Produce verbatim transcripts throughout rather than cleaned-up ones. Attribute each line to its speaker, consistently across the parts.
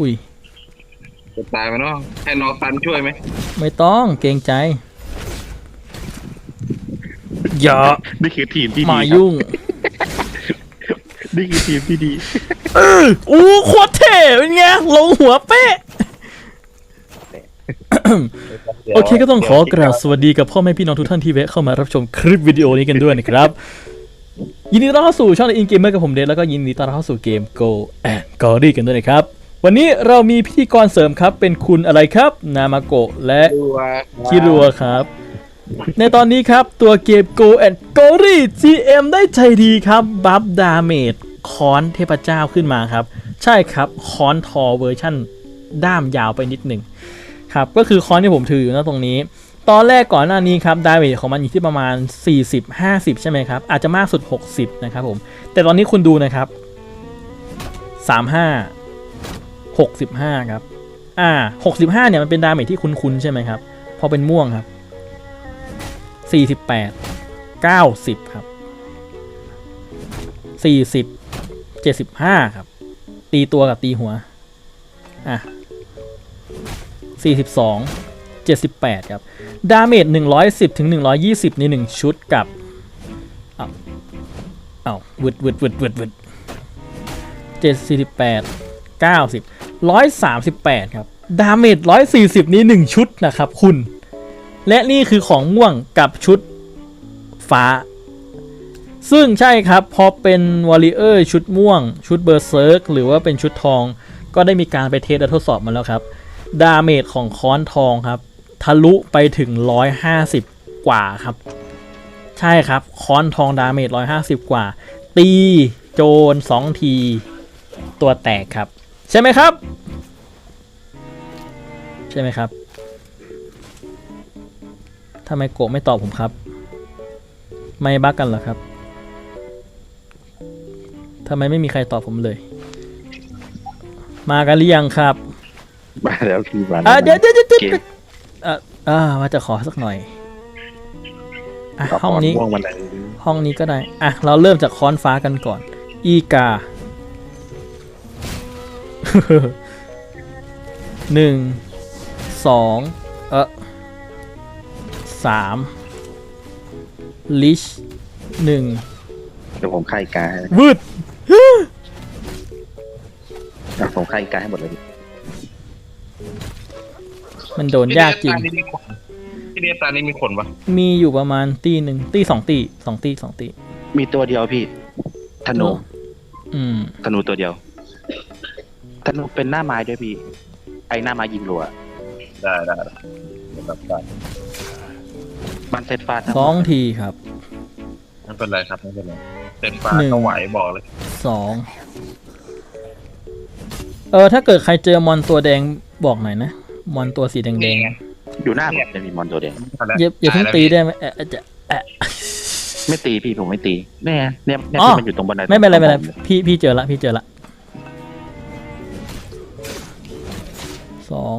Speaker 1: อุ้ย
Speaker 2: จะตายไหมเนาะให้น้องตันช่วยไหม
Speaker 1: ไม่ต้องเกรงใจอย่า
Speaker 3: นี่คือทีมที่ดี
Speaker 1: มายุ่ง
Speaker 3: นี่คือทีมที่ดี
Speaker 1: เอออู้โคตรเท่เป็นไงลงหัวเป๊ะโอเคก็ต้องขอกราบสวัสดีกับพ่อแม่พี่น้องทุกท่านที่แวะเข้ามารับชมคลิปวิดีโอนี้กันด้วยนะครับยินดีต้อนรับเข้าสู่ช่องอินเกมเมอร์กับผมเดชแล้วก็ยินดีต้อนรับเข้าสู่เกม Go and Glory กันด้วยนะครับวันนี้เรามีพิธีกรเสริมครับเป็นคุณอะไรครับนามาโกะและคิรัวครับในตอนนี้ครับตัวเกม Go and Glory จี เอ็ม ได้ใจดีครับบัฟดาเมจค้อนเทพเจ้าขึ้นมาครับใช่ครับค้อนทอเวอร์ชั่นด้ามยาวไปนิดหนึ่งครับก็คือค้อนที่ผมถืออยู่นะตรงนี้ตอนแรกก่อนหน้านี้ครับดาเมจของมันอยู่ที่ประมาณสี่สิบ ห้าสิบใช่ไหมครับอาจจะมากสุดหกสิบนะครับผมแต่ตอนนี้คุณดูนะครับสามสิบห้า หกสิบห้าครับอ่าหกสิบห้าเนี่ยมันเป็นดาเมจที่คุ้นๆใช่ไหมครับพอเป็นม่วงครับสี่สิบแปด เก้าสิบครับสี่สิบ เจ็ดสิบห้าครับตีตัวกับตีหัวอ่ะสี่สิบสอง เจ็ดสิบแปดครับดาเมจหนึ่งร้อยสิบถึงหนึ่งร้อยยี่สิบในหนึ่งชุดกับอ้าวอ้าววึดวึดวึดวึดวึดเจ็ดสี่สิบแปด เก้าสิบ หนึ่งร้อยสามสิบแปดครับดาเมจหนึ่งร้อยสี่สิบนี้หนึ่งชุดนะครับคุณและนี่คือของม่วงกับชุดฟ้าซึ่งใช่ครับพอเป็นวอริเออร์ชุดม่วงชุดเบอร์เซิร์กหรือว่าเป็นชุดทองก็ได้มีการไปเทสและทดสอบมาแล้วครับดาเมจของค้อนทองครับทะลุไปถึงหนึ่งร้อยห้าสิบกว่าครับใช่ครับค้อนทองดาเมจหนึ่งร้อยห้าสิบกว่าตีโจรสองทีตัวแตกครับใช่ไหมครับใช่ไหมครับทำไมโกะไม่ตอบผมครับไม่บักกันเหรอครับทำไมไม่มีใครตอบผมเลยมากันหรือยังครับ
Speaker 3: มาแล้วพี่มา
Speaker 1: อ่ะเดี๋ยวเดี๋ยวเดี๋ยวอ่ะอ่าว่าจะขอสักหน่อยอ่ะห้องนี้ห้องนี้ก็ได้อ่ะเราเริ่มจากค้อนฟ้ากันก่อนอีกาหนึ่งสองเออสามลิชหนึ่ง
Speaker 3: เดี๋ยวผมไข่กาให้
Speaker 1: วืด
Speaker 3: ผมไข่กาให้หมดเลย
Speaker 1: มันโดนยากจริง
Speaker 2: ที่เดียตานี้มีขนปะ
Speaker 1: มีอยู่ประมาณตีหนึ่งตีสองตีสองตีสองตี
Speaker 3: มีตัวเดียวพี่ธนู
Speaker 1: อืม
Speaker 3: ธนูตัวเดียวธนูเป็นหน้าไม้ด้วยพี่ไอหน้าไม้ยิงรัว
Speaker 2: ได้ได้ได้
Speaker 3: มันเซตฟาด
Speaker 1: สองทีครับ
Speaker 2: ไม่เป็นไรครับไม่เป็นไรเต็มฟ้าก็ไหวบอกเลย
Speaker 1: สองเออถ้าเกิดใครเจอมอนตัวแดงบอกหน่อยนะมอนตัวสีแดงแดง
Speaker 3: อยู่หน้าผมจะมีมอนตัวแดง
Speaker 1: อย่าอย่าเพิ่งตีได้ไหมเออจะเออ
Speaker 3: ไม่ตีพี่ผมไม่ตีเนี่ยเนี่ยเนี่ยมันอยู่ตรงบันได
Speaker 1: ไม่เป็นไรไม่เป็นไรพี่พี่เจอละพี่เจอละสอง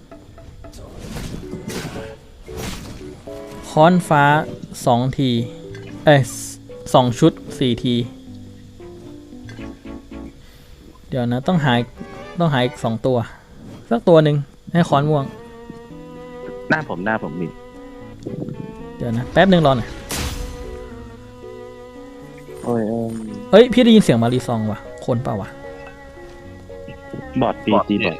Speaker 1: ค้อนฟ้าสองทีเอ้ยสองชุดสี่ทีเดี๋ยวนะต้องหายต้องหายอีกสองตัวสักตัวหนึ่งให้ค้อนม่วง
Speaker 3: หน้าผมหน้าผมมี
Speaker 1: เดี๋ยวนะแป๊บหนึ่งรอหน่อย
Speaker 3: โอ้ย
Speaker 1: เฮ้ยพี่ได้ยินเสียงมารีซองว่ะคนเปล่าวะ
Speaker 3: บอดตีตีบอด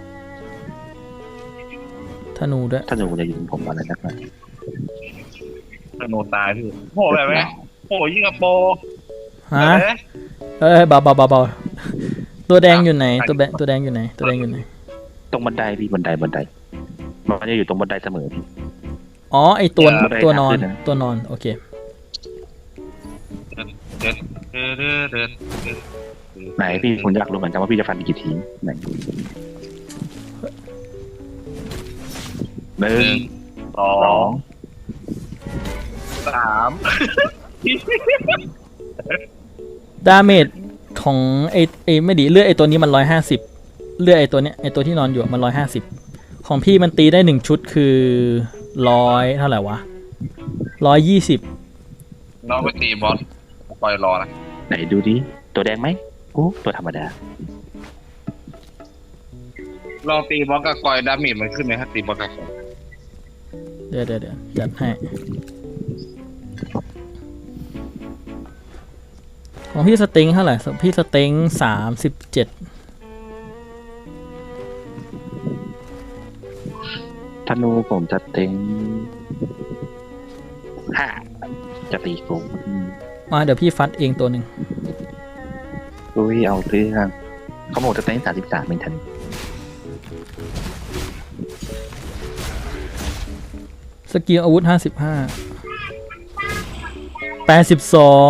Speaker 1: ธนูด้วย
Speaker 3: ธนูจะยิงผมอะไรนักหนา
Speaker 2: ธนูตายพี่โหแบบไหมโหยิ่งกระโป
Speaker 1: ฮะเอ้ยเบาเบาเบาเบาตัวแดงอยู่ไหนตัวแดงตัวแดงอยู่ไหนตัวแดงอยู่ไหน
Speaker 3: ตรงบันไดพี่บันไดบันไดมันจะอยู่ตรงบันไดเสมอพี่
Speaker 1: อ๋อไอตัวตัวนอนตัวนอนโอเค
Speaker 3: ไหนพี่ผมอยากรู้เหมือนกันว่าพี่จะฟันกี่ทีไหนหนึ่ง
Speaker 2: สองสาม
Speaker 1: ดาเมจของไอไอไม่ดีเลือดไอตัวนี้มันร้อยห้าสิบเลือดไอตัวเนี้ยไอตัวที่นอนอยู่มันร้อยห้าสิบของพี่มันตีได้หนึ่งชุดคือร้อยเท่าไหร่วะร้อยยี่สิบ
Speaker 2: น้องไปตีบอสปล่อยรอนะ
Speaker 3: ไหนดูดิตัวแดงไหมโอ้ตัวธรรมดา
Speaker 2: ลองตีบล็อกกับกอยดาเมจมันขึ้นไหมครับตีบล็อกกับกอย
Speaker 1: เดี๋ยวเดี๋ยวเดี๋ยวจัดให้ของพี่สเต็งเท่าไหร่พี่สเต็งสามสิบเจ็ด
Speaker 3: ธนูผมจะเต็งห้าจะตีกู
Speaker 1: มาเดี๋ยวพี่ฟัดเองตัวหนึ่ง
Speaker 3: อุ้ยเอาเรื่องเขาบอกจะเต็งสามสิบสามเป็นธนู
Speaker 1: สกิลอาวุธห้าสิบห้าแปดสิบสอง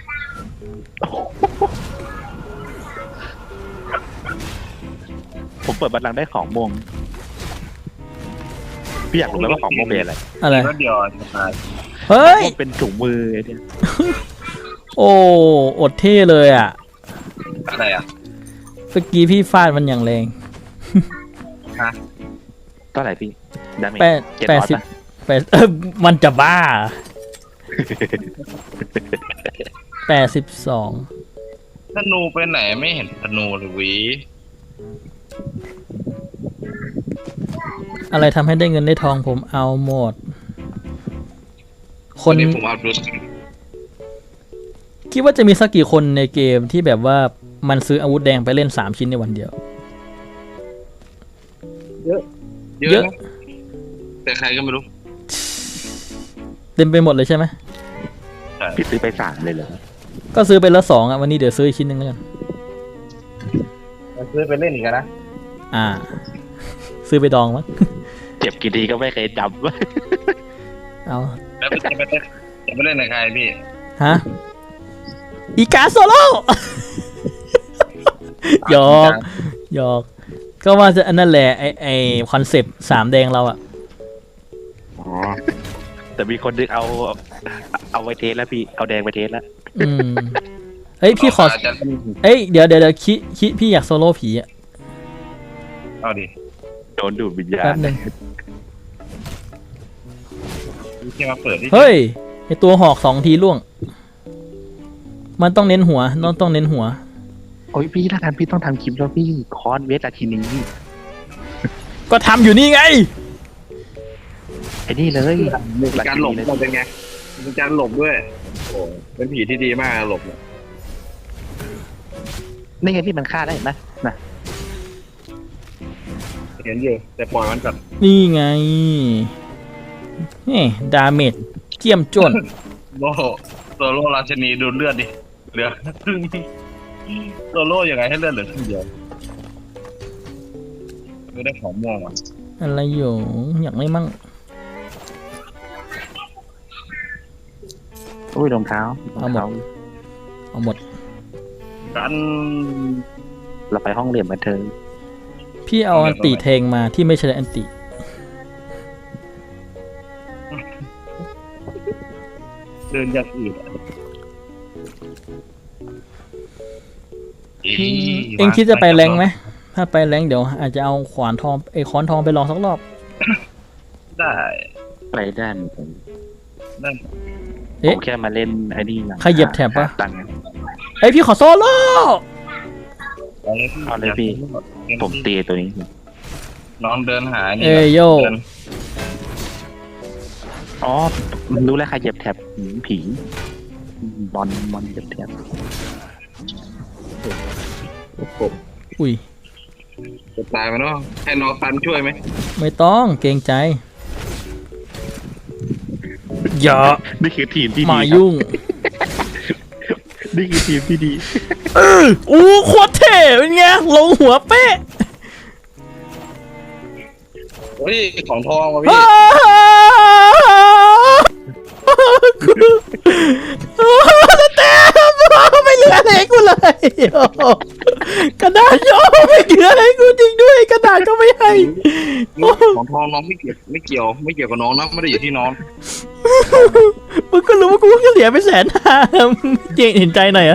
Speaker 3: ผมเปิดบัตรลังได้ของม่วงพี่อยากรู้ไหมว่าของม่วงเป็นอะไร
Speaker 1: อะไร
Speaker 2: รถเดียวจะตาย
Speaker 1: เฮ้ย
Speaker 3: ม่วงเป็นถุงมือไอ้เนี่ย
Speaker 1: โอ้อดเท่เลยอ่ะ
Speaker 2: อะไรอ่ะ
Speaker 1: เมื่อกี้พี่ฟาดมันอย่างแรง
Speaker 2: ฮะ
Speaker 3: เท่าไหร่พี่ดาเมจ
Speaker 1: แปด
Speaker 3: เจ็ด
Speaker 1: แป
Speaker 3: ร้
Speaker 1: ด
Speaker 3: อย
Speaker 1: สิบ
Speaker 3: ปะ
Speaker 1: แปดเออมันจะบ้าแปดสิบสอง
Speaker 2: ธนูไปไหนไม่เห็นธนูเลยวิ
Speaker 1: อะไรทำให้ได้เงินได้ทองผมเอาหมด คน
Speaker 2: นี้ผมเอาดู
Speaker 1: คิดว่าจะมีสักกี่คนในเกมที่แบบว่ามันซื้ออาวุธแดงไปเล่นสามชิ้นในวันเดียว
Speaker 2: เยอะ
Speaker 1: เย
Speaker 2: เย
Speaker 1: อะ
Speaker 2: อะนะแต่ใครก็ไม่รู้
Speaker 1: เต็มไปหมดเลยใช่ไหม
Speaker 3: พี่ซื้อไปสามเลยเหรอ
Speaker 1: ก็ซื้อไปแล้วสองอ่ะวันนี้เดี๋ยวซื้ออีกชิ้นหนึ่งแล้วกัน
Speaker 2: ซื้อไปเล่นอีกนะ
Speaker 1: อ่า ซื้อไปดองมั้ง
Speaker 3: เจ็บกี่ทีก็ไม่เคยจ
Speaker 1: เอา
Speaker 2: แล้วจะไปเล่นจะไปเล่นกับใครพี่
Speaker 1: ฮะ อีกาโซโล่ หยอกหยอก ก็ว่าจะอันนั่นแหละไอไอคอนเซปต์สามแดงเราอะ
Speaker 3: ำอ๋อแต่มีคนนึกเอา เอาไว้เทสแล้วพี่เอาแดงไปเทสแล้ว
Speaker 1: อืมเอ้ยพี่ขอ
Speaker 2: จะ
Speaker 1: เอ้ยเดี๋ยวเดี๋ยวเดี๋ยวคิคิพี่อยากโซโล่ผีอะ
Speaker 2: เอาดิ
Speaker 3: โดนดูดวิญญา
Speaker 1: แป๊
Speaker 3: ณ
Speaker 1: บหนึง
Speaker 2: พี่แค่มาเปิดที่
Speaker 1: เฮ้ยไอตัวหอกสองทีล่วง มันต้องเน้นหัวต้องต้องเน้นหัว
Speaker 3: โอ้ยพี่ถ้าทันพี่ต้องทำคลิปแล้วพี่คอนเวสอาทีนี้
Speaker 1: ก็ทำอยู่นี่ไง
Speaker 3: ไอ้นี่เลย
Speaker 2: มีการหลบมันเป็นไงมีการหลบด้วยโอ้เป็นผีที่ดีมากหลบเนี่ย
Speaker 3: นี่ไงพี่มันฆ่าได้เห็นไหมนะ
Speaker 2: เห็นอยู่แต่ปล่อยมันก่อน
Speaker 1: นี่ไงนี่ดาเมจเจียมจน
Speaker 2: โลโซโล่ราชนีดูเลือดดิเหลือครึ่งโซโล่ยังไงให้เลือดเหลือครึ่งเดียวไม่ได้ของม่วงอ่ะ
Speaker 1: อะไรอยู่อยากไม่มั่ง
Speaker 3: อุ้ยรองเท้า
Speaker 1: เอาหมด เอาหมด
Speaker 2: กัน
Speaker 3: เราไปห้องเรียนมาเธอ
Speaker 1: พี่เอาอันติเทงมาที่ไม่ใช่อันติ
Speaker 2: เดินอย่างอื่นอะ
Speaker 1: เอ็งคิดจะไปแรงไหม ถ้าไปแรงเดี๋ยวอาจจะเอาขวานทองไอ้ค้อนทองไปลองสักรอบ
Speaker 2: ได้
Speaker 3: ไปด้านผม
Speaker 2: ได้
Speaker 3: ผ
Speaker 1: เอ๊ะ
Speaker 3: มแค่มาเล่นไอ้นี่นะ
Speaker 1: ใครเหยียบแถบปะ
Speaker 3: หาตังค์
Speaker 1: เอ้ยพี่ขอโซโล่
Speaker 2: เอาเลยพี่
Speaker 3: เอาเลยพี่ ผมตีตัวนี้
Speaker 2: น้องเดินหานี่
Speaker 1: เอ้ยโย
Speaker 2: เดิน
Speaker 3: อ๋อรู้แล้วใครเหยียบแถบผีผีบอลบอลเหยียบแถบ
Speaker 1: อุ้ย
Speaker 2: จะตายไหมเนาะให้น้องตันช่วยไหม
Speaker 1: ไม่ต้องเกรงใจอย่า
Speaker 3: นี่คือทีมที่ดี
Speaker 1: มา
Speaker 3: ครับ
Speaker 1: ยุ่ง
Speaker 3: นี่คือทีมที่ดี
Speaker 1: เอออู้โคตรเท่เป็นไงลงหัวเป๊ะ
Speaker 2: โอ้ยของทองมาพี่
Speaker 1: สเต็ปไม่เหลืออะไรให้กูเลยกระดาษย่อไม่เหลืออะไรให้กูจริงด้วยกระดาษก็ไม่ให้
Speaker 2: ของทองน้องไม่เกี่ยวไม่เกี่ยวไม่เกี่ยวกับน้องนะไม่ได้อยู่ที่น้อง
Speaker 1: มึงก็รู้ว่ากูก็เสียไปแสนห้าเจงเห็นใจหน่อยอะ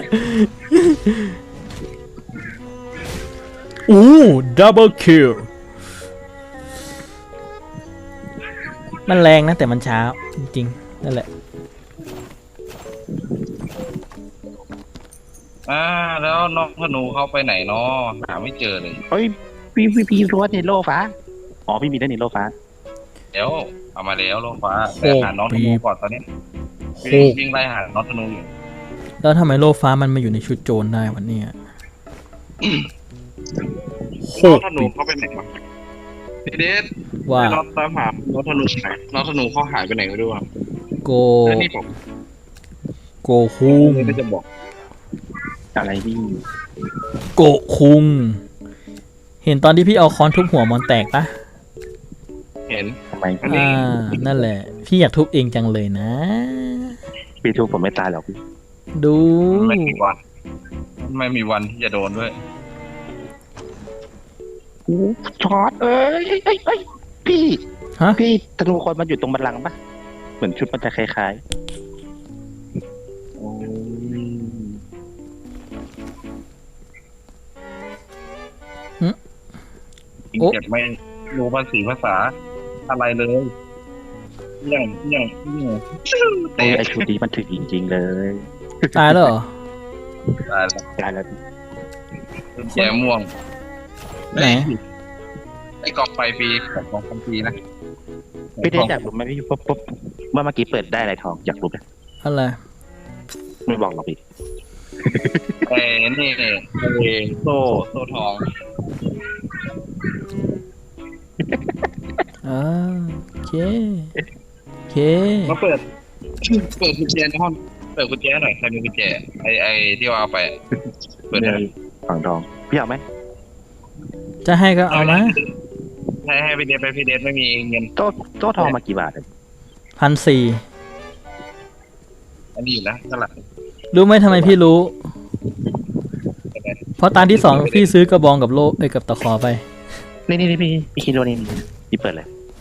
Speaker 1: อู้ดับเบิลคิลมันแรงนะแต่มันช้าจริงๆนั่นแหละ
Speaker 2: อ่าแล้วน้องธนูเขาไปไหนเนาะหาไม่เจอเลย
Speaker 3: เฮ้ยพี่พี่พี่รู้ว่าเนโรฟ้าอ๋อพี่มีได้เนโรฟ้า
Speaker 2: เดี๋ยวเอามาแล้วโลฟ้าแต่หาน้องธนูก่อนตอนนี้
Speaker 1: โค
Speaker 2: วิ่งวิ่งไล่หาน้องธนูอยู่
Speaker 1: แล้วทำไมโลฟ้ามันมาอยู่ในชุดโจรได้วันนี้โค
Speaker 2: น้อง
Speaker 1: ต
Speaker 2: ธ
Speaker 1: ร
Speaker 2: นูเขาไปไหนวะพี่เดช
Speaker 1: ว่า
Speaker 2: น้องตามหาน้องธนูไหนน้องธนูเขาหายไปไหนไม่รู้อ่ะ
Speaker 1: โก
Speaker 2: แล้วนี่ผม
Speaker 1: โกคุง
Speaker 2: ไม่จะบอก
Speaker 3: อะไรพี่
Speaker 1: โกคุงเห็นตอนที่พี่เอาค้อนทุบหัวมอนแตกปะ
Speaker 2: เห็น
Speaker 3: ทำไม
Speaker 2: อันนี้
Speaker 1: อ่านั่นแหละ พี่อยากทุบเองจังเลยนะ
Speaker 3: พี่ทุกผมไม่ตายหรอกพี่
Speaker 1: ดู
Speaker 2: ไม่มีวัน ไม่มีวันที่จะโดนด้วย
Speaker 3: ช็อตเอ้ยเอ้ยเอ้ยพี่
Speaker 1: ฮะ
Speaker 3: พี่ธนูคนมันอยู่ตรงบัลลังก์ปะเหมือนชุดมันจะคล้าย
Speaker 2: จริงเก็บไม่รู้ภาษีภาษาอะไรเลยอย่างอย่างอย่าง
Speaker 3: ๆโอ้ยไอชุดนี้มันถึงจริงๆเลย
Speaker 1: ตายแล้วเหรอ
Speaker 2: ตายแล้ว
Speaker 3: ตายแล้วพี่
Speaker 2: แย่ม่วง
Speaker 1: ไหน
Speaker 2: ไอ้กองไฟปีกับกองไฟปีนะ
Speaker 3: พี่ได้อยากรู้ไหมพี่ปุ๊บปุ๊บเมื่อเมื่อกี้เปิดได้อะไรทองอยากรู้ไหม
Speaker 1: อะไร
Speaker 3: ไม่บอกหรอกพี่
Speaker 2: ไอ้นี่ไอ้โซ่โซ่ทอง
Speaker 1: อ่าโอเคโอเค
Speaker 2: มาเปิด เปิดกุญแจในห้องเปิดกุญแจหน่อยใครมีกุญแจไอ้ไอ้ที่ว่าเอาไปเปิดได้
Speaker 3: ฝั่งทองพี่เอาไหม
Speaker 1: จะให้ก็เอามา
Speaker 2: ให้ให้พี่เดชไปพี่เดชไม่มีเงิน
Speaker 3: โต๊ะโต๊ะทองมากี่บาทอะ
Speaker 1: พันสี่
Speaker 2: อันนี้อยู่นะเท่าไหร่
Speaker 1: รู้ไหมทำไมพี่รู้ เพราะตอนที่สองพี่ซื้อกระบองกับโล่เอ้ยกับตะขอไป
Speaker 3: นี่นี่นี่พี่พี่คิดว่านี่พี่เปิดเลย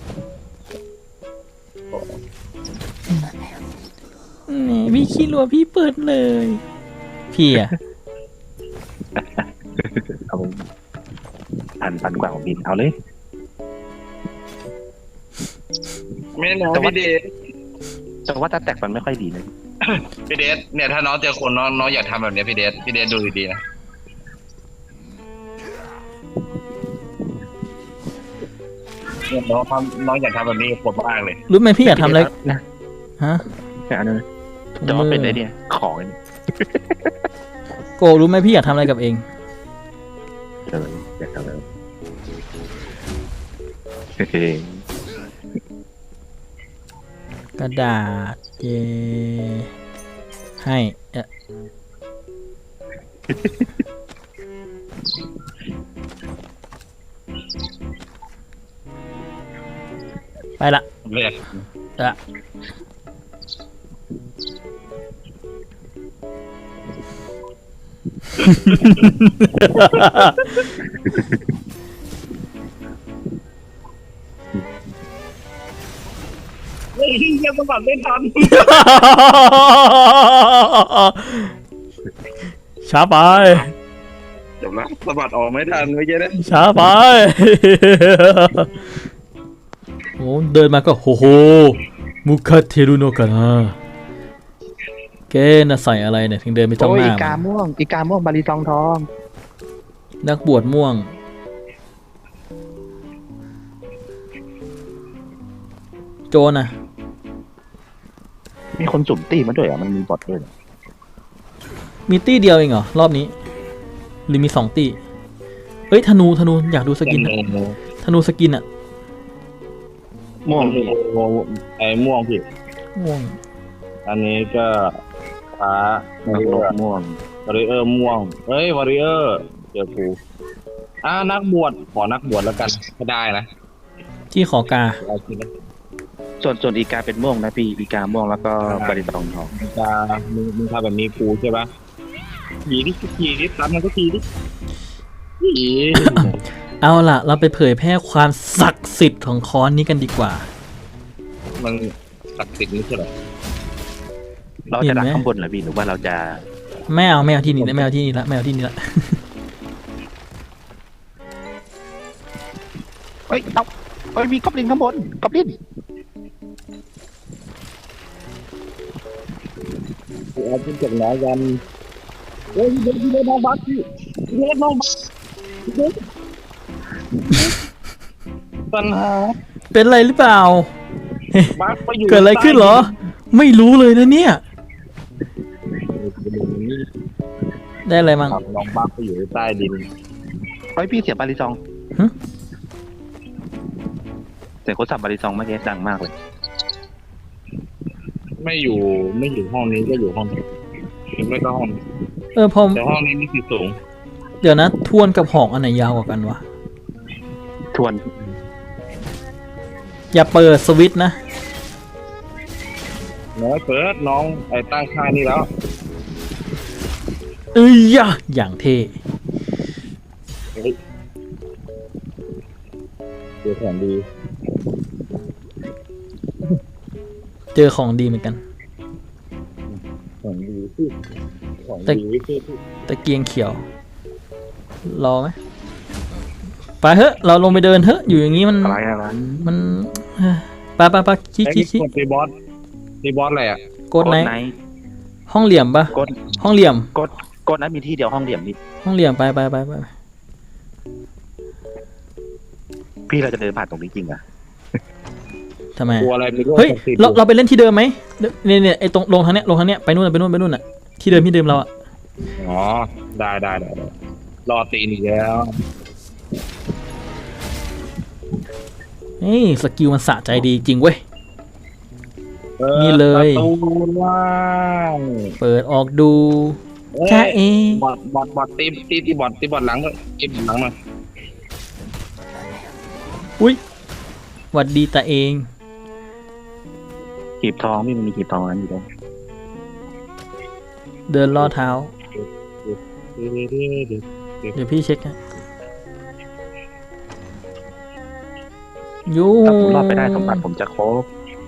Speaker 1: นี่พี่คิดว่าพี่เปิดเลย พี่อะ
Speaker 3: เอาพันพันกว่าของบินเอาเลย
Speaker 2: ไม่นะพี่เดช
Speaker 3: แต่ว่าถ้าแตกมันไม่ค่อยดีนะ
Speaker 2: พี่เดชเนี่ยถ้าน้องเจอคนน้องน้องอยากทำแบบเนี้ยพี่เดชพี่เดชดูดีๆนะเนี่ยน้องทำน้องอยากทำแบบนี้กับคนมากเลย
Speaker 1: รู้ไหมพี่อยากทำอะไร
Speaker 3: นะ
Speaker 1: ฮะ
Speaker 3: อันนั้นแต่ว่าเป็นไอเนี่ยของไอ้นี่
Speaker 1: โกรู้ไหมพี่อยากทำอะไรกับเอง
Speaker 3: เอออยากทำอะไรเฮ้ย
Speaker 1: กระดาษเยให้เอ่อไปละ
Speaker 2: เรียก
Speaker 1: อะ
Speaker 2: เฮ้ยยังสมัครไม่ทัน
Speaker 1: ช้าไป
Speaker 2: จบแล้วสมัครออกไม่ทันเมื่อกี้นะ
Speaker 1: ช้าไป โอ้เดินมาก็โหโหมุคาเทรุโนะกันนะเกน่ะใส่อะไรเนี่ยถึงเดินไปจ้อง
Speaker 3: โอ้
Speaker 1: ห
Speaker 3: ย
Speaker 1: น้า
Speaker 3: อีกาม่วงอีกาม่วงบาลีซองทอง
Speaker 1: นักบวชม่วง โจรน่ะ
Speaker 3: มีคนสุ่มตีมาด้วยอ่ะมันมีบอทด้วย
Speaker 1: มีตี้เดียวเองเหรอ รอบนี้ หรือมีสองตี้เอ้ยธนูธนูอยากดูสกินอะธนูสกินอะ
Speaker 2: ม่วงพี่ไอ้ม่วงพี่
Speaker 1: ม่วง
Speaker 2: อันนี้ก็ฟ้า
Speaker 3: นักรบม่วง
Speaker 2: วอริเออร์ม่วงเฮ้ยวอริเออร์เจอกูอ่านักบวชขอนักบวชแล้วกันถ้าได้นะ
Speaker 1: ที่ขอกา
Speaker 2: เอาจริงนะ
Speaker 3: ส่วนส่วนอีกาเป็นม่วงนะพี่อีกาม่วงแล้วก็บาลีซองทอง
Speaker 2: มึงจะมึงมึงทำแบบนี้กูใช่ปะขี่ดิขี่ดิตามมันก็ขี่ดิขี่
Speaker 1: เอาล่ะ เราไปเผยแพร่ความศักดิ์สิทธิ์ของค้อนนี้กันดีกว่า
Speaker 2: มันศักดิ์สิทธิ์นี่ใช่ไหม
Speaker 3: เราจะดักข้างบนเหรอพี่หรือว่าเราจะ
Speaker 1: ไม่เอาไม่เอาที่นี่ไม่เอาที่นี่ละไม่เอาที่นี่ละ
Speaker 3: เฮ้ยเอาเฮ้ยมีกอบลินข้างบนกอบลิน
Speaker 2: เอาเป็นจากไหนกันเฮ้ยเดี๋ยวเดี๋ยวน้องบัสพี่เดี๋ยวน้องบัสปัญหา
Speaker 1: เป็นไรหรือเปล่า
Speaker 2: บักไปอยู่
Speaker 1: เกิดอะไรขึ้นเหรอ ไม่รู้เลยนะเนี่ย ได้อะไรมั่ง
Speaker 2: ลองบักไปอยู่ใต้ดิน
Speaker 3: เฮ้ยพี่เสียงบาริซอง
Speaker 1: ฮะ
Speaker 3: เสียงโคตรสับบาริซองเมื่อกี้ดังมากเลย
Speaker 2: ไม่อยู่ไม่อยู่ห้องนี้ก็อยู่ห้องนี้ไม่ก็ห้องนี้
Speaker 1: เออพอ
Speaker 2: แต่ห้องนี้นี่คือสูง
Speaker 1: เดี๋ยวนะทวนกับหอกอันไหนยาวกว่ากันวะ
Speaker 3: ทวน
Speaker 1: อย่าเปิดสวิตช์นะ
Speaker 2: น้อยเปิดน้องไอ้ตั้งค่านี่แล้ว
Speaker 1: เอ้ยยะอย่างเท่
Speaker 2: เจอของดี
Speaker 1: เจอของดีเหมือนกัน
Speaker 2: ของดีที่ของ
Speaker 1: แต่
Speaker 2: ดีที่ที่
Speaker 1: ตะเกียงเขียว รอไหมไปเถอะเราลงไปเดินเถอะอยู่อย่างนี้มัน
Speaker 3: อะไรอะไร
Speaker 1: มันเอ้ยไปไปไปคิด
Speaker 2: ไอ้
Speaker 1: คิดคิด
Speaker 2: กดตีบอสตีบอสอะไรอ่ะ
Speaker 1: กดไหน
Speaker 3: ไหน
Speaker 1: ห้องเหลี่ยมปะ
Speaker 3: กด
Speaker 1: ห้องเหลี่ยม
Speaker 3: กดกดนั้นมีที่เดียวห้องเหลี่ยมนี่
Speaker 1: ห้องเหลี่ยมไปไปไปไป
Speaker 3: พี่เราจะเดินผ่านตรงนี้จริงอ่ะ
Speaker 1: ทำไม
Speaker 2: กลัวอะไรไม่รู้
Speaker 1: เฮ้ย
Speaker 2: ศักดิ์สิทธิ์
Speaker 1: เราเราไปเล่นที่เดิมไหมเนี่ยเนี่ยไอ้ตรงลงทางเนี้ยลงทางเนี้ยไปนู่นไปนู่นไปนู่นอ่ะที่เดิมที่เดิมเราอ่ะ
Speaker 2: อ๋อได้ได้ได้ได้รอตีนอีกแล้ว
Speaker 1: เฮ้ยสกิลมันสะใจดีจริงเว้ย
Speaker 2: ออ
Speaker 1: นี่เลย
Speaker 2: ประตูว่าง
Speaker 1: เปิดออกดู
Speaker 2: เอ้ย
Speaker 1: แค่เอง
Speaker 2: บอดบอดบอดตีตีตีบอดตีบอดหลังก็ตีบอดหลังมา
Speaker 1: อุ้ยหวัดดีตาเอง
Speaker 3: หีบทองไม่มีหีบทองอันอยู่ตรง
Speaker 1: เดินล่อเท้า
Speaker 2: เดี๋ยวเดี๋ยวเดี๋ยวเดี๋ยว
Speaker 1: เดี๋ยวพี่เช็คให้ยู
Speaker 3: ถ้าผมรอดไปได้สมบัติผมจะครบ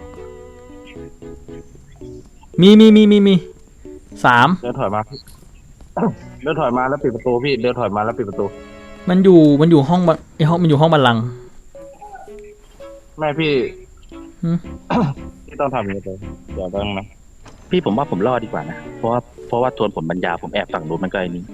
Speaker 1: มีมีมีมีมีสาม
Speaker 2: เดินถอยมา เดินถอยมาแล้วปิดประตูพี่เดินถอยมาแล้วปิดประตู
Speaker 1: มันอยู่มันอยู่ห้องบันไอห้องมันอยู่ห้องบัลลังก์
Speaker 2: แม่พี่
Speaker 1: หืม
Speaker 2: พี่ต้องทำอย่างนี้เลยอย่าต้องนะ
Speaker 3: พี่ผมว่าผมรอดดีกว่านะเพราะว่าเพราะว่าทวนผมบรรยาผมแอบฝั่งนู้นมันก็ไอ้นี้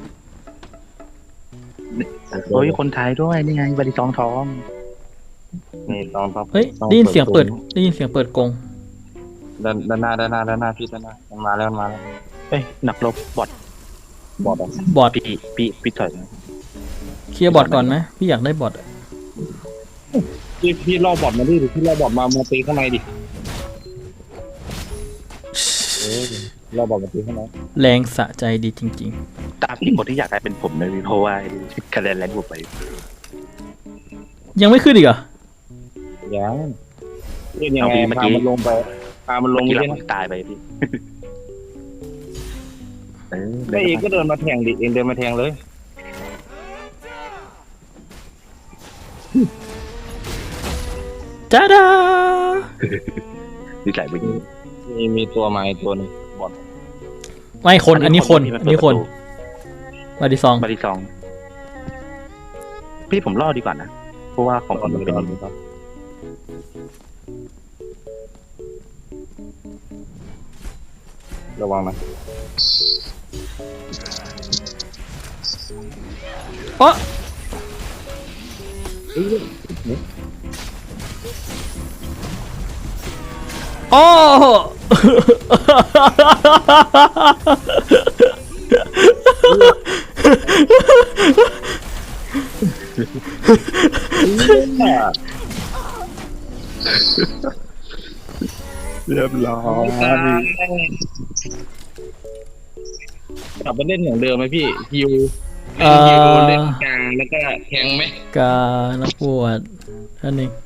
Speaker 3: โอ้ยคนไทยด้วยนี่ไงบาริซองทอง
Speaker 2: นี่ต้องต้อง
Speaker 1: เฮ้ย
Speaker 2: ต้อง
Speaker 1: ได้ยินเสียงเปิด
Speaker 2: ตู
Speaker 1: ได้ยินเสียงเปิดกรง
Speaker 2: ด้านด้านหน้าด้านหน้าด้านหน้าพี่ด้านหน้ามันมาแล้วมันมาแล้ว
Speaker 3: เอ้ยหนักลบบอด
Speaker 2: บอดอ่ะ
Speaker 1: บอด
Speaker 3: พี่พี่พี่ถอยมา
Speaker 1: เคลียร์บอดก่อนไหมพี่อยากได้บอดอะ
Speaker 2: พี่พี่ล่อบอดมาดิพี่ล่อบอดมามาตีข้างในดิเออล่อบอดมาตีข้างใน
Speaker 1: แรงสะใจดีจริง
Speaker 3: ตามที่คนที่อยากได้เป็นผมเลยเพราะว่าคะแนนแรงบวกไป
Speaker 1: ๆ ยังไม่ขึ้นอีกเหรอ
Speaker 2: ยังเล่นยังไงพามันลงไปพามันล
Speaker 3: เมื่
Speaker 2: ง
Speaker 3: อ
Speaker 2: ไป
Speaker 3: กี้
Speaker 2: เล่น
Speaker 3: เราตายไปพี่เออ
Speaker 2: ได้เองก็เดินมาแทงดิเองเดินมาแทงเลย
Speaker 1: จ้าดา
Speaker 3: ดีใจไปยิง
Speaker 2: มีมีตัวไม้ตัวหนึงบอด
Speaker 1: ไม่คนอันนี้คนอันนี้คนมาดิซอง
Speaker 3: บาริซอง พี่ผมรอดดีกว่านะเพราะว่าของผมมันเป็นอย่างนี้
Speaker 2: ระวังนะ
Speaker 1: โอ๊ะโอ้
Speaker 3: เรียบร้อย
Speaker 2: กลับมาเล่นอย่างเดิมไหมพี่ฮิว
Speaker 1: เอ่อ
Speaker 2: ฮิวเล่นกลางแล้วก็แทงไหม
Speaker 1: กานักบวชอันนี้